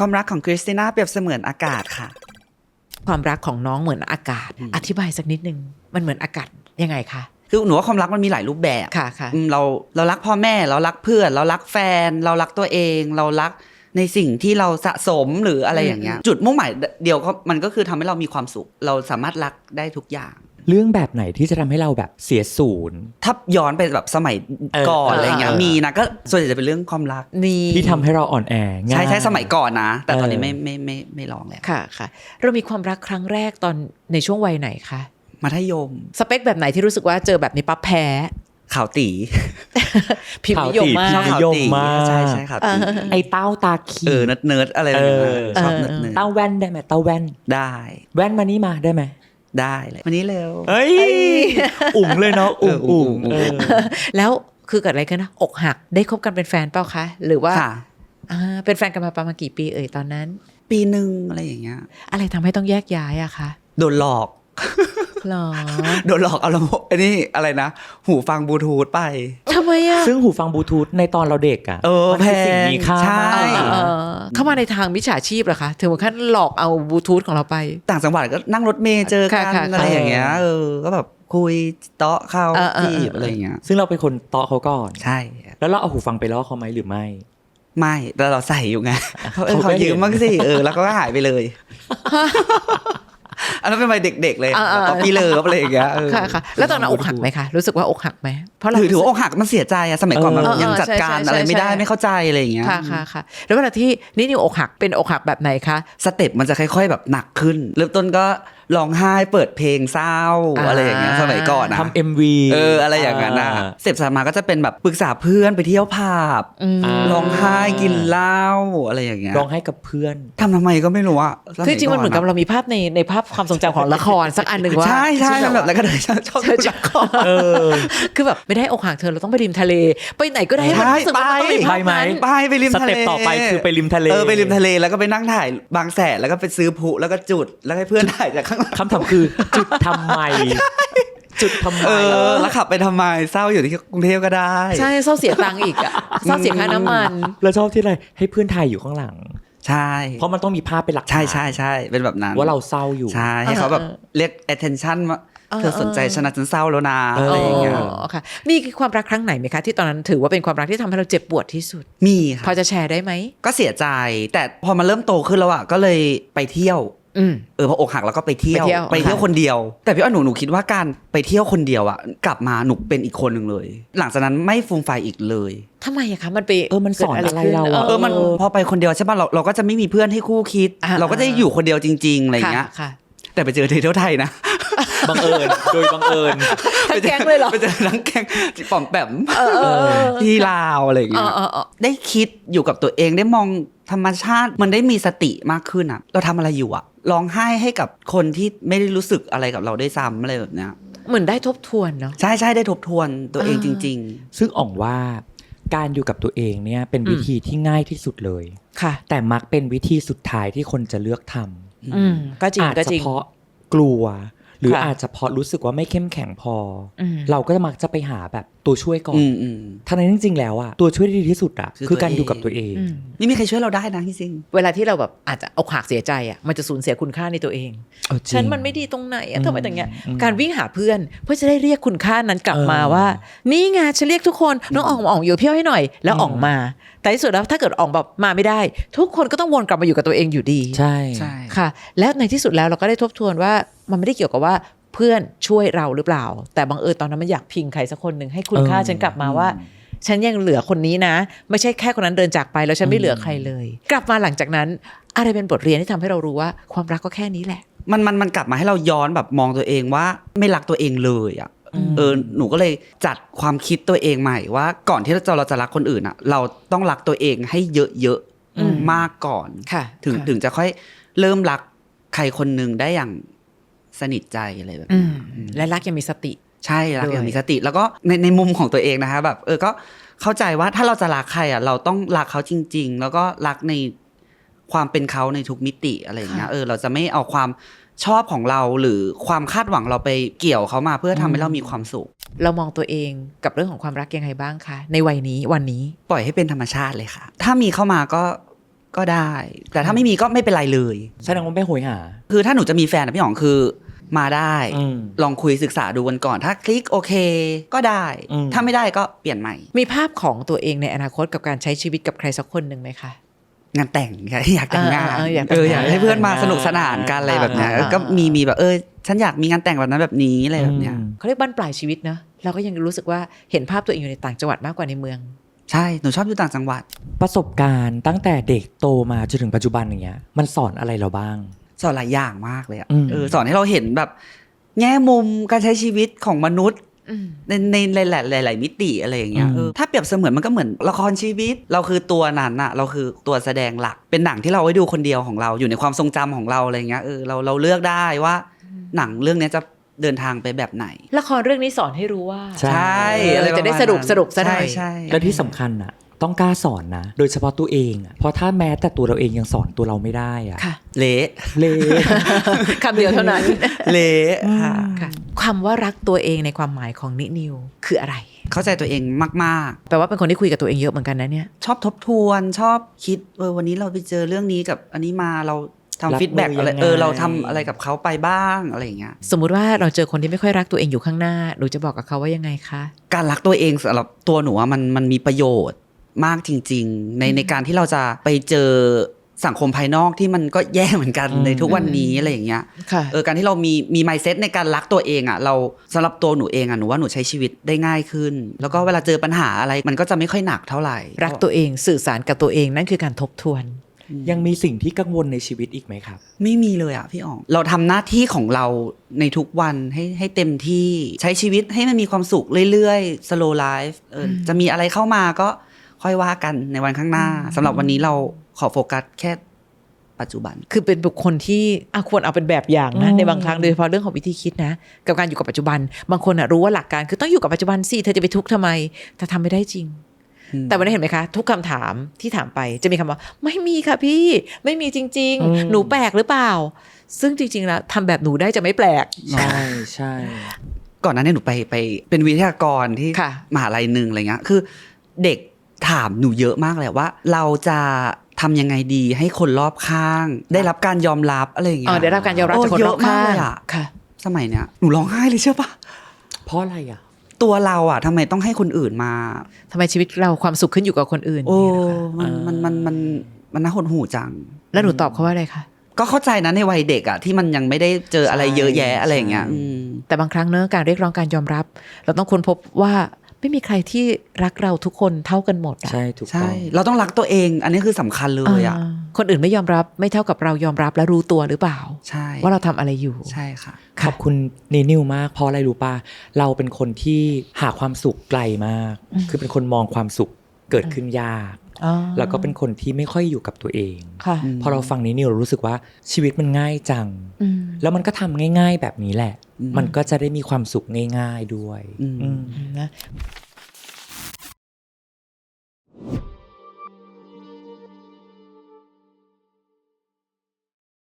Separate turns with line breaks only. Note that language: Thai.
ความรักของคริสติน่าเปรียบเสมือนอากาศค่ะ
ความรักของน้องเหมือนอากาศอธิบายสักนิดนึงมันเหมือนอากาศยังไงคะ
คือหนูว่าความรักมันมีหลายรูปแบบ
ค่ะค่ะ
เรารักพ่อแม่เรารักเพื่อนเรารักแฟนเรารักตัวเองเรารักในสิ่งที่เราสะสมหรืออะไรอย่างเงี้ยจุดมุ่งหมายเดียวมันก็คือทำให้เรามีความสุขเราสามารถรักได้ทุกอย่าง
เรื่องแบบไหนที่จะทำให้เราแบบเสียศูนย์
ถ้าย้อนไปแบบสมัยก่อนอะไรเงี้ยมีนะก็ส่วนใหญ่จะเป็นเรื่องความรัก
ที่ทำให้เราอ่อนแอง่าย
ใช่สมัยก่อนนะแต่ตอนนี้ไม่ลองแล้ว
ค่ะค่ะเรามีความรักครั้งแรกตอนในช่วงวัยไหนคะ
มัธยม
สเปคแบบไหนที่รู้สึกว่าเจอแบบนี้ปั๊บแพ้
ขาวตี
พิมพ์นิยมมาก
นิยมมาก
ใช่ขาวตี
ไอ้เต้าตาขี
เนิร์ดอะไรแบบนี้ชอบเนิร์ด
เต้าแว่นได้ไหมเต้าแว่น
ได้
แว่นมานี่มาได้ไหม
ได้เลยวันนี้เร็ว
เอ้ยอุ่งเลยเนาะอุ่ง
แล้วคือเกิดอะไรขึ้นนะอกหักได้คบกันเป็นแฟนเปล่าคะหรือว่าเป็นแฟนกันมาประมาณกี่ปีตอนนั้น
ปีนึงอะไรอย่างเงี้ย
อะไรทำให้ต้องแยกย้ายอะคะ
โดนหลอก
หรอ
โดนหลอกเอาลำโพงอันนี้อะไรนะหูฟังบลูทูธไป
ทำไมอะ
ซึ่งหูฟังบลูทูธในตอนเราเด็กอะ
มันเป็นสิ่ง
มีค่า
ใช่
เข้ามาในทางมิจฉาชีพเหรอคะถึงขั้นหลอกเอาบลูทูธของเราไป
ต่างจังหวัดก็นั่งรถเมล์เจอกันอะไรอย่างเงี้ยก็แบบคุยเตาะเข้าจีบอะไรอย่างเงี้ย
ซึ่งเราเป็นคนเตาะเขาก่อน
ใช่
แล้วเราเอาหูฟังไปล่อเขาไหมหรือไม่
แต่เราใส่อยู่ไงเขายืมบ้างสิแล้วก็หายไปเลยอันนั้นเป็นวัยเด็กๆเลยแล้วก็พี่เลิฟอะไรอย่างเงี้ย
ค่ะแล้วตอนนั้นอกหักไหมคะรู้สึกว่าอกหักไหมเพราะเรา
ถือว่าอกหักมันเสียใจอะสมัยก่อนมันยังจัดการอะไรไม่ได้ไม่เข้าใจอะไรอย่างเงี้ย
ค่ะแล้วเวลาที่นิวอกหักเป็นอกหักแบบไหนคะ
สเต็ปมันจะค่อยๆแบบหนักขึ้นเริ่มต้นก็ร้องไห้เปิดเพลงเศร้าอะไรอย่างเงี้ยสมัยก่อนนะ
ทำ MV
อะไรอย่างเงี้ยนะเสพสมาก็จะเป็นแบบปรึกษาเพื่อนไปเที่ยวผับร้องไห้กินเหล้าอะไรอย่างเงี้ย
ร้องไห้กับเพื่อน
ทำไมก็ไม่รู้อะ
คือจริงมันเหมือนกับเรามีภาพในภาพความทรงจำของละครสักอันหนึ่งว่า
ใช่แบบแล้วก็เลยชอบดูละคร
คือแบบไม่ได้อกหักเธอเราต้องไปริมทะเลไปไหนก็ได้ให้มันรู้สึกว่าต้องมีภาพนั้น
ไปริมทะเล
สเต็ปต่อไปคือไปริมทะเล
ไปริมทะเลแล้วก็ไปนั่งถ่ายบางแสนแล้วก็ไปซื้อพลุแล้วก็จุดแล้วให้เพื่อนถ่ายจากข้างหลัง
คำถามคือจุดทำไม
แล้วขับไปทำไมเศร้าอยู่ที่กรุงเทพก็ได้
ใช่เศร้าเสียตังค์อีกอะเศร้าเสียค่าน้ำมัน
แล้วชอบที่อะไรให้เพื่อนถ่ายอยู่ข้างหลัง
ใช่
เพราะมันต้องมีภาพเป็นหลัก
ใช่เป็นแบบนั้น
ว่าเราเศร้าอยู่
ใช่ให้เขาแบบเรียก attention ว่าเธอสนใจฉันเศร้าแล้วนะอะไรอย่างเงี้ย
ค่ะมีความรักครั้งไหนไหมคะที่ตอนนั้นถือว่าเป็นความรักที่ทำให้เราเจ็บปวดที่สุด
มีค่ะ
พอจะแชร์ได้ไหม
ก็เสียใจแต่พอมันเริ่มโตขึ้นแล้วอะก็เลยไปเที่ยวพออกหักแล้วก็ไปเที่ยวคนเดียวแต่พี่อ้อยหนูคิดว่าการไปเที่ยวคนเดียวอะกลับมาหนูเป็นอีกคนหนึ่งเลยหลังจากนั้นไม่ฟูมไฟอีกเลย
ทำไมอะคะมันไป
มันสอนอะไรเรา
มันพอไปคนเดียวใช่ป่ะเราก็จะไม่มีเพื่อนให้คู่คิดเราก็จะอยู่คนเดียวจริงๆอะไรอย่างเงี้ยแต่ไปเจอเที่ยวไทยนะ
บังเอิญโดยบังเอิญ
ทั้งแก๊งเลยเหรอ
ไปเจอทั้งแก๊งป๋อมแปมที่ลาวอะไรอย่างเงี้ยได้คิดอยู่กับตัวเองได้มองธรรมชาติมันได้มีสติมากขึ้นอ่ะเราทำอะไรอยู่อ่ะร้องไห้ให้กับคนที่ไม่ได้รู้สึกอะไรกับเราได้ซ้ำอะไรแบบเนี้ย
เหมือนได้ทบทวนเนาะ
ใช่ได้ทบทวนตัวเองจริง
ๆซึ่งอ่องว่าการอยู่กับตัวเองเนี่ยเป็นวิธีที่ง่ายที่สุดเลย
ค่ะ
แต่มักเป็นวิธีสุดท้ายที่คนจะเลือกท
ำก็จริง
อาจจะเพราะกลัวหรืออาจจะเพราะรู้สึกว่าไม่เข้มแข็งพอเราก็มักจะไปหาแบบตัวช่วยก่อนทั้งนั้นจริงๆแล้วอะตัวช่วยที่ดีที่สุดอะคือการอยู่กับตัวเอง
นี่มีใครช่วยเราได้นะจริง
เวลาที่เราแบบอาจจะอกหักเสียใจอะมันจะสูญเสียคุณค่าในตัวเองฉันมันไม่ดีตรงไหนอะทำไมอย่างเงี้ยการวิ่งหาเพื่อนเพื่อจะได้เรียกคุณค่านั้นกลับมาว่านี่ไงฉันเรียกทุกคนน้องอ่องอยู่เพี้ยวให้หน่อยแล้วอ่องมาแต่ที่สุดแล้วถ้าเกิดอ่องแบบมาไม่ได้ทุกคนก็ต้องวนกลับมาอยู่กับตัวเองอยู่ดี
ใช่
ค่ะแล้วในที่สุดแล้วเราก็ได้ทบทวนว่ามันไม่ได้เกี่ยวกับว่าเพื่อนช่วยเราหรือเปล่าแต่บังเอิญตอนนั้นมันอยากพิงใครสักคนหนึ่งให้คุณค่าฉันกลับมาว่าฉันยังเหลือคนนี้นะไม่ใช่แค่คนนั้นเดินจากไปแล้วฉันไม่เหลือใครเลยกลับมาหลังจากนั้นอะไรเป็นบทเรียนที่ทำให้เรารู้ว่าความรักก็แค่นี้แหละ
มันกลับมาให้เราย้อนแบบมองตัวเองว่าไม่รักตัวเองเลยอ่ะหนูก็เลยจัดความคิดตัวเองใหม่ว่าก่อนที่เราจะรักคนอื่นอ่ะเราต้องรักตัวเองให้เยอะๆมากก่อนถึงจะค่อยเริ่มรักใครคนนึงได้อย่างสนิทใจอะไรแบบนี้
และรักยังมีสติ
ใช่รักยังมีสติแล้วก็ในมุมของตัวเองนะคะแบบก็เข้าใจว่าถ้าเราจะรักใครอ่ะเราต้องรักเขาจริงๆแล้วก็รักในความเป็นเขาในทุกมิติอะไรอย่างเงี้ยเราจะไม่เอาความชอบของเราหรือความคาดหวังเราไปเกี่ยวเขามาเพื่อทำให้เรามีความสุข
เรามองตัวเองกับเรื่องของความรักยังไงบ้างคะในวัยนี้วันนี้
ปล่อยให้เป็นธรรมชาติเลยค่ะถ้ามีเข้ามาก็ก็ได้ แต่ถ้าไม่มีก็ไม่เป็นไรเลย
แสดงว่าไม่โหยหา
คือถ้าหนูจะมีแฟนนะพี่อ๋องคือมาได้
อืม
ลองคุยศึกษาดูกันก่อนถ้าคลิกโอเคก็ได้ ถ้าไม่ได้ก็เปลี่ยนใหม่
มีภาพของตัวเองในอนาคตกับการใช้ชีวิตกับใครสักคนหนึ่งไหมคะ
งานแต่งอยากแต่งงาน
อยากแต่งงาน
อยากให้เพื่อนมาสนุกสนานกันอะไรแบบเนี้ยก็มีแบบฉันอยากมีงานแต่งแบบนั้นแบบนี้อะไรแบบเนี้ย
เขาเรียกบั้นปลายชีวิตเนอะเราก็ยังรู้สึกว่าเห็นภาพตัวเองอยู่ในต่างจังหวัดมากกว่าในเมือง
ใช่หนูชอบอยู่ต่างจังหวัด
ประสบการณ์ตั้งแต่เด็กโตมาจนถึงปัจจุบันอย่างเงี้ยมันสอนอะไรเราบ้าง
สอนหลายอย่างมากเลยอ่ะ
อืม
สอนให้เราเห็นแบบแง่มุมการใช้ชีวิตของมนุษย์ในหลายมิติอะไรอย่างเงี้ยถ้าเปรียบเสมือนมันก็เหมือนละครชีวิตเราคือตัวนั้นอะเราคือตัวแสดงหลักเป็นหนังที่เราไว้ดูคนเดียวของเราอยู่ในความทรงจำของเราอะไรเงี้ยเราเลือกได้ว่าหนังเรื่องนี้จะเดินทางไปแบบไหน
ละครเรื่องนี้สอนให้รู้ว่า
ใช่
อะไรประมาณนั้น
จะได้สรุปซะหน่อย
ใช่
และที่สำคัญอ่ะต้องกล้าสอนนะโดยเฉพาะตัวเองอ่ะเพราะถ้าแม้แต่ตัวเราเองยังสอนตัวเราไม่ได้อ่ะ
ค่ะ
เละ
เละ
คำเดียวเท่านั้น
เละค่ะ
ค่ะคำว่ารักตัวเองในความหมายของนินิวคืออะไร
เข้าใจตัวเองมาก
แปลว่าเป็นคนที่คุยกับตัวเองเยอะเหมือนกันนะเนี่ย
ๆชอบทบทวนชอบคิดวันนี้เราไปเจอเรื่องนี้กับอันนี้มาเราทำฟีดแบ็กอะไรเราทำอะไรกับเขาไปบ้างอะไรอย่างเงี้ย
สมมุติว่าเราเจอคนที่ไม่ค่อยรักตัวเองอยู่ข้างหน้าหนูจะบอกกับเขาว่ายังไงคะ
การรักตัวเองสำหรับตัวหนูว่ามันมีประโยชน์มากจริงๆในการที่เราจะไปเจอสังคมภายนอกที่มันก็แย่เหมือนกันในทุกวันนี้อะไรอย่างเงี้ย
ค่ะ
การที่เรามี mindset ในการรักตัวเองอ่ะเราสำหรับตัวหนูเองอ่ะหนูว่าหนูใช้ชีวิตได้ง่ายขึ้น แล้วก็เวลาเจอปัญหาอะไรมันก็จะไม่ค่อยหนักเท่าไหร่
รักตัวเองสื่อสารกับตัวเองนั่นคือการทบทวน
ยังมีสิ่งที่กังวลในชีวิตอีกไหมครับ
ไม่มีเลยอ่ะพี่อ๋องเราทำหน้าที่ของเราในทุกวันให้เต็มที่ใช้ชีวิตให้มันมีความสุขเรื่อยๆ slow life จะมีอะไรเข้ามาก็ค่อยว่ากันในวันข้างหน้าสำหรับวันนี้เราขอโฟกัสแค่ปัจจุบัน
คือเป็นบุคคลที่ควรเอาเป็นแบบอย่างนะในบางครั้งโดยเฉพาะเรื่องของวิธีคิดนะกับการอยู่กับปัจจุบันบางคนรู้ว่าหลักการคือต้องอยู่กับปัจจุบันสิเธอจะไปทุกข์ทำไมแต่ทำไม่ได้จริง แต่วันนี้เห็นไหมคะทุกคำถามที่ถามไปจะมีคำว่าไม่มีค่ะพี่ไม่มีจริงๆหนูแปลกหรือเปล่าซึ่งจริงๆแล้วทำแบบหนูได้จะไม่แปลก
ใช่ใช่
ก่อนหน้านี้หนูไปเป็นวิทยากรที่
ค่ะ
มหาลัยหนึ่งอะไรเงี้ยคือเด็กถามหนูเยอะมากเลยว่าเราจะทำยังไงดีให้คนรอบข้าง ได้รับการยอมรับอะไรอย่างเงี้ย
ได้รับการยอมรับจากคนรอบข้าง
เยอะมากเลยอะ
ค่ะ
สมัยเนี้ยหนูร้องไห้เลยเชื่อปะ
เพราะอะไรอ่ะ
ตัวเราอะทำไมต้องให้คนอื่นมา
ทำไมชีวิตเราความสุขขึ้นอยู่กับคนอื่น
โอ้
เนี่ยนะคะ
มันน่าหดหู่จัง
แล้วหนูตอบเขาว่าอะไรคะ
ก็เข้าใจนะในวัยเด็กอะที่มันยังไม่ได้เจออะไรเยอะแยะอะไรอย่างเงี้ย
ใช่
แต่บางครั้งเนอะการเรียกร้องการยอมรับ เราต้องค้นพบว่าไม่มีใครที่รักเราทุกคนเท่ากันหมดอะ
ใช่ถูกต้
ใช่
อง
เราต้องรักตัวเอง อันนี้คือสำคัญเลยอะ
คนอื่นไม่ยอมรับไม่เท่ากับเรายอมรับและรู้ตัวหรือเปล่า
ใช่
ว่าเราทำอะไรอยู่
ใช่ค่ะ
ขอบคุณนิวมากเพราะอะไรรู้ป่ะเราเป็นคนที่หาความสุขไกลมาก คือเป็นคนมองความสุขเกิดขึ้นยาก แล้วก็เป็นคนที่ไม่ค่อยอยู่กับตัวเอง
ค่ะ
พอเราฟังนิวเรารู้สึกว่าชีวิตมันง่ายจัง แล้วมันก็ทำง่ายๆแบบนี้แหละ มันก็จะได้มีความสุขง่ายๆด้วย
อืม
อืม
นะ